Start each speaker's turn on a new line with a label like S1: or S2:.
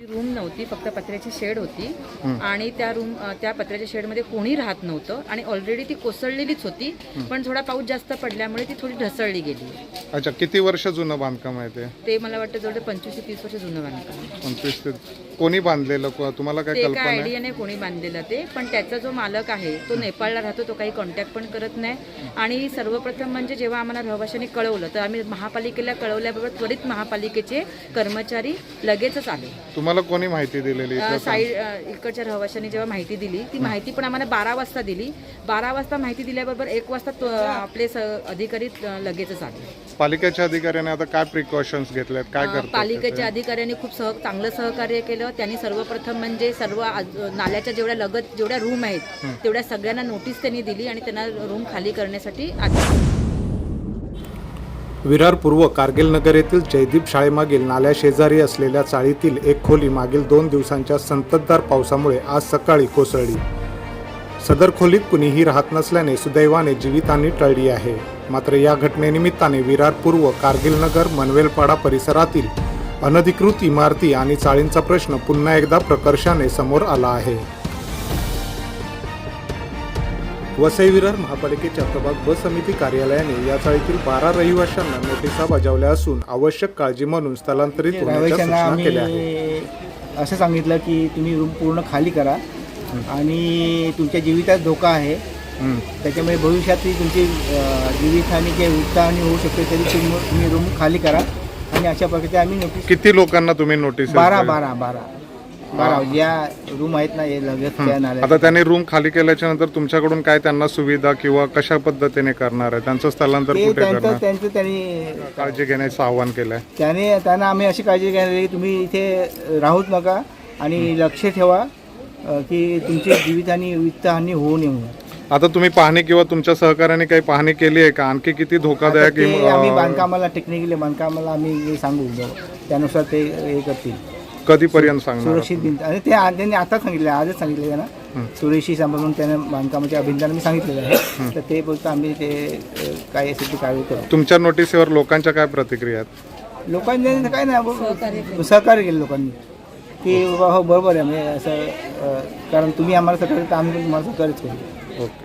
S1: Room नव्हती, फक्त पत्र्याची शेड होती आणि त्या पत्र्याच्या शेडमध्ये कोणी राहत नव्हतं आणि ऑलरेडी ती कोसळलेलीच होती, पण थोडा पाऊस जास्त पडल्यामुळे ती थोडी ढसळली गेली.
S2: अच्छा, किती वर्ष जुनं बांधकाम आहे
S1: ते मला वाटतं जवळ 25 ते 30 वर्ष जुनं बांधकाम.
S2: 25 ते कोणी बांधलेलं तुम्हाला काय
S1: ते
S2: कल्पना
S1: काय
S2: आहे?
S1: आयडिया नाही कोणी बांधलेलं ते, पण त्याचा जो मालक आहे तो नेपाळला राहतो, तो काही कॉन्टॅक्ट पण करत नाही. आणि सर्वप्रथम म्हणजे जेव्हा आम्हाला रहिवाशांनी कळवलं तर आम्ही महापालिकेला कळवल्याबरोबर त्वरित महापालिकेचे कर्मचारी लगेचच आले.
S2: तुम्हाला कोणी माहिती दिलेली?
S1: साईड इकडच्या रहिवाशांनी जेव्हा माहिती दिली, ती माहिती पण आम्हाला 12 वाजता दिली. 12 वाजता माहिती दिल्याबरोबर 1 वाजता आपले अधिकारी लगेचच आले.
S2: पालिकेच्या अधिकाऱ्याने आता काय प्रिकॉशन्स घेतल्यात, काय करतात?
S1: पालिकेच्या अधिकाऱ्यांनी खूप चांगलं सहकार्य केलं. त्यांनी सर्वप्रथम म्हणजे सर्व नाल्याच्या जेवढ्या रूम आहेत तेवढ्या सगळ्यांना नोटीस त्यांनी दिली आणि त्यांना रूम खाली करण्यासाठी
S3: विरार पूर्व कारगिल नगर येथील जयदीप शाळेमागील नाल्या शेजारी असलेल्या चाळीतील एक खोली मागील 2 दिवसांच्या संततधार पावसामुळे आज सकाळी कोसळली. सदर खोलीत कुणीही राहत नसल्याने सुदैवाने जीवितहानी टळली आहे. मात्र या घटनेनिमित्ताने विरार पूर्व कारगिल नगर मनवेलपाडा परिसरातील अनधिकृत इमारती आणि चाळींचा प्रश्न पुन्हा एकदा प्रकर्षाने समोर आला आहे. वसई विरार महापालिकेच्या प्रभाग ब समिती कार्यालयाने या चाळीतील 12 रहिवाशांना नोटिसा बजावल्या असून आवश्यक काळजी म्हणून स्थलांतरित होण्याच्या सूचना केल्या आहेत.
S4: असं सांगितलं की तुम्ही रूम पूर्ण खाली करा आणि तुमच्या जीवितात धोका आहे, त्याच्यामुळे भविष्यात तुमची जीवितहानी किंवा वित्तहानी होऊ शकते, तरी तुम्ही रूम खाली करा. आणि अशा प्रकारे आम्ही नोटीस
S2: किती लोकांना तुम्ही नोटीस?
S4: 12 ज्या रूम आहेत ना हे लगेच
S2: आता त्यांनी रूम खाली केल्याच्या नंतर तुमच्याकडून काय त्यांना सुविधा किंवा कशा पद्धतीने करणार आहे? त्यांचं स्थलांतर कुठे करणार?
S4: त्यांनी
S2: काळजी घेण्याचं आवाहन केलंय.
S4: त्यांना आम्ही अशी काळजी घ्यायला की तुम्ही इथे राहूच नका आणि लक्ष ठेवा की तुमची जीवितहानी वित्तहानी होऊ नये.
S2: आता तुम्ही पाहणी किंवा तुमच्या सहकार्याने काही पाहणी केली आहे का? आणखी किती धोकादायक?
S4: आम्ही बांधकामाला टेक्निकली बांधकामाला आम्ही सांगू, त्यानुसार ते हे करतील.
S2: कधीपर्यंत सांगणार?
S4: सुरक्षित भिंत आणि त्यांनी आता सांगितलं, आजच सांगितलं त्यांना सुरेशी सांभाळून त्यांना बांधकामाच्या अभियंत्याने मी सांगितलेलं आहे. तर ते बोलतं आम्ही ते काय असेल ते कारवाई करू.
S2: तुमच्या नोटीसवर लोकांच्या काय प्रतिक्रिया आहेत?
S4: लोकांनी काय नाही सहकार्य केलं लोकांनी की बाबा हो बरोबर आहे, म्हणजे असं कारण तुम्ही आम्हाला सहकार्य तर आम्ही तुम्हाला सहकार्यच करू.
S2: ओके.